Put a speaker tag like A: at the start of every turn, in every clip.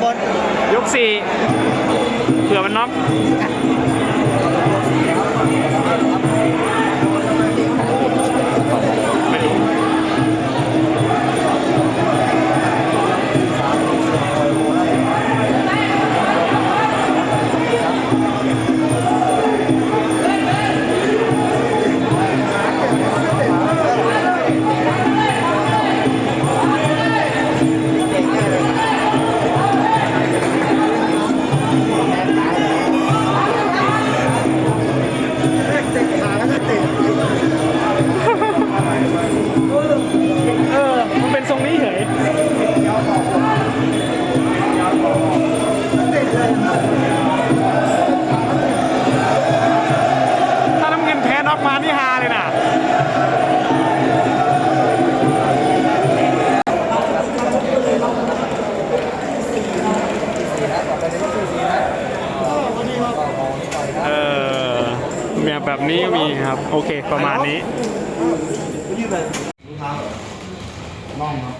A: บน
B: ยก4เผื่อมันน็อกมันเป็นทรงนี้เฉยถ้าน้ำเงินแพ้น็อกมานี่ฮาเลยนะแบบนี้มีครับโอเคประมาณนี้
A: น่องครับ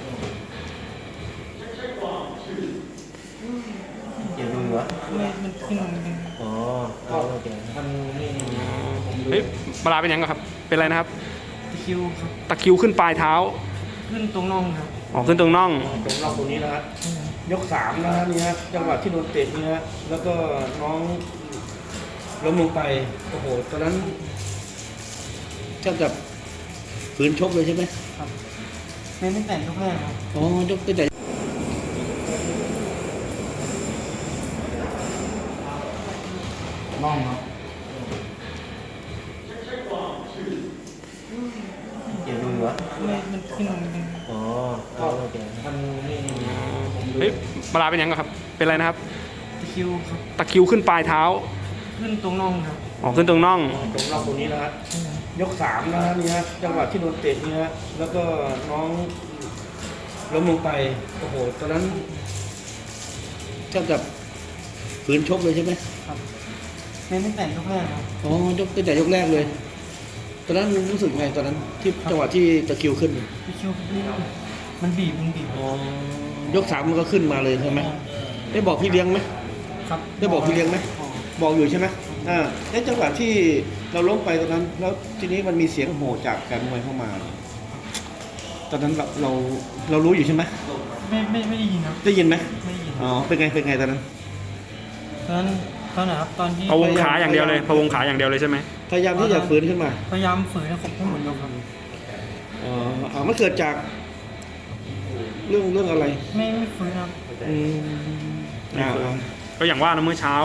A: เกี่ยวดูเหรอมันขึ้นอ๋อโอเค
B: เฮ้ยปลาเป็นยังไงครับเป็นอะไรนะครับ
A: ตะคิวครับ
B: ตะคิวขึ้นปลายเท้า
A: ขึ้นตรงน่องครับ
B: อ๋อขึ้นตรงน่อง
A: ตรงนี้นะฮะยก3นะฮะนี่ฮะจังหวะที่โดนเตะนี่ฮะแล้วก็น้องล้มลงไปโอ้โหตอนนั้นแทบจะฝืนชกเลยใช่ไหมครับเป็นตั้งแต่ยกแรกครับอ๋อยกตั้งแต่น่องครับเกี่ยวดูเหรอมันขึ้นอ๋อโอเค
B: เฮ้ยปลาเป็นยังไงครับเป็นอะไรนะครับ
A: ตะคิวครับ
B: ตะคิวขึ้นปลายเท้า
A: ขึ้นตรงน่องครับ
B: อ๋อขึ้นตรงน่อง
A: ตรงนี้นะฮะยก3นะฮะนี่ฮะจังหวะที่โดนเตะนี่ฮะแล้วก็น้องล้มลงไปโอ้โหตอนนั้นแทบจะฝืนชกเลยใช่ไหมครับเป็นตั้งแต่ยกแรกครับอ๋อยกตั้งแต่ยกแรกเลยตอนนั้นรู้สึกไงตอนนั้นที่จังหวะที่ตะคิวขึ้นตะคิวมันบีบอ๋อยก3มันก็ขึ้นมาเลยใช่ไหมได้บอกพี่เลี้ยงไหมครับได้บอกพี่เลี้ยงไหมบอกอยู่ใช่ไหมในจังหวะที่เราล้มไปตอนนั้นแล้วทีนี้มันมีเสียงโห่จากแฟนมวยเข้ามาตอนนั้นเรารู้อยู่ใช่ไหมไม่ได้ยินครับได้ยินไหมไม่ได้ยินอ๋อเป็นไงตอนนั้นไหนครับตอนที่
B: พะวงขาอย่างเดียวเลยพะวงขาอย่างเดียวเลยใช่ไหม
A: พยายามที่จะฝืนขึ้นมาพยายามฝืนให้ครบทั้งหมดยกครับมันเกิดจากเรื่องอะไรไม่ฝืนครับ
B: ก็อย่างว่านะเมื่อเช้า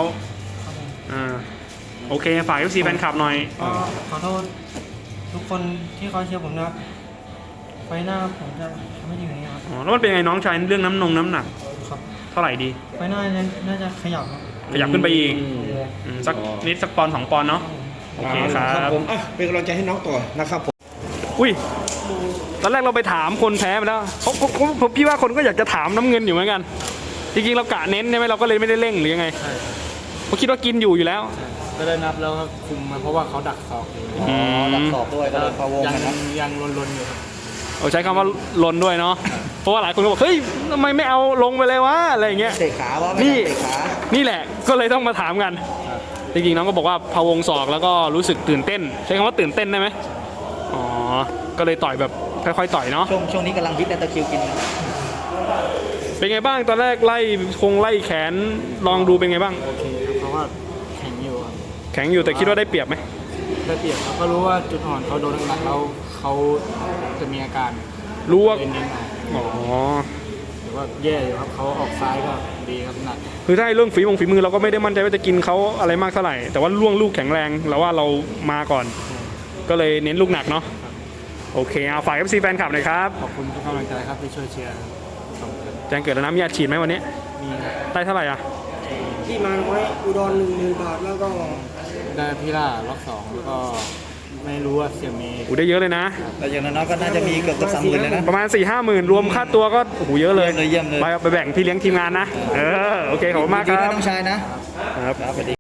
B: โอเคฝาก FC แฟนคลับหน่อย
A: ขอโทษทุกคนที่เขาเชียร์ผมนะไฟหน้าผมจะไม่ดีกว่านี้ครับ
B: แล้วมันเป็นไงน้องชายเรื่องน้ำหนัก
A: ครับ
B: เท่าไหร่ดี
A: ไฟหน้าน่าจะขยับ
B: ขึ้นไปอีกสักนิดสักปอน2 ปอนเนาะโอเคครับ
A: ผมเป็นกำลังใจให้น้องต่อนะครับผม
B: อุ้ยตอนแรกเราไปถามคนแพ้ไปแล้วพี่ว่าคนก็อยากจะถามน้ำเงินอยู่เหมือนกันจริงๆเรากะเน้นใช่ไหมเราก็เลยไม่ได้เร่งหรือยังไงเพราะคิดว่ากินอยู่แล้ว
A: ก็ได้นับแล้วครับคุมมาเพราะว่าเขาดักศอกดักศอกด้วยก็เลยพะวงนะครับยังลนอยู่
B: ใช้คำว่าลนด้วยเนาะเพราะว่าหลายคนก็บอกเฮ้ยทำไมไม่เอาลงไปเลยวะอะไรอย่างเงี้ย
A: เตะขาว่าไม่เตะขา
B: นี่แหละก็เลยต้องมาถามกันจริงๆน้องก็บอกว่าพะวงศอกแล้วก็รู้สึกตื่นเต้นใช้คำว่าตื่นเต้นได้ไหมอ๋อก็เลยต่อยแบบค่อยๆต่อยเนาะ
A: ช่วงนี้กำลังฮิตตะคิวกิน
B: เป็นไงบ้างตอนแรกไล่แขนลองดูเป็นไงบ้าง
A: โอเคเพราะว่าแข็ง
B: อยู่แต่คิดว่าได้เปรียบไหม
A: ได้เปรียบครับก็รู้ว่าจุดอ่อนเขาโดนหนักแล้วเขาจะมีอาการ
B: รู้ว่า
A: อ๋อหรือว่าแย่อยู่ครับเขาออกซ้ายก็ดีครับหนัก
B: คือถ้าเรื่องฝีมือเราก็ไม่ได้มั่นใจว่าจะกินเขาอะไรมากเท่าไหร่แต่ว่าล่วงลูกแข็งแรงเราว่าเรามาก่อนก็เลยเน้นลูกหนักเนาะโอเคเอาฝาก FC แฟนคลับหน่อยครับ
A: ขอบคุณทุกกำลังใจครับที่ช่วยเชียร์
B: แจ้งเกิดแล้วนะมีอาชีพไหมวันนี้
A: มี
B: ได้เท่าไหร่
A: ที่มาไว้อุดร10,000 บาทแล้วก็ได้พี่ล่าล็อก2แล้วก็ไม่รู้ว่าเสียมี
B: ได้เยอะเลยนะ
A: แต่อย่างนั้นก็น่าจะมีเกือบ30,000เลยนะ
B: ประมาณ 4-5 หมื่นรวมค่าตัวก็โอ้โหเยอะเลย
A: เยี่ยมเลย
B: ไปแบ่งพี่เลี้ยงทีมงานนะโอเคขอบคุณมากครับ
A: น้องชายนะครับ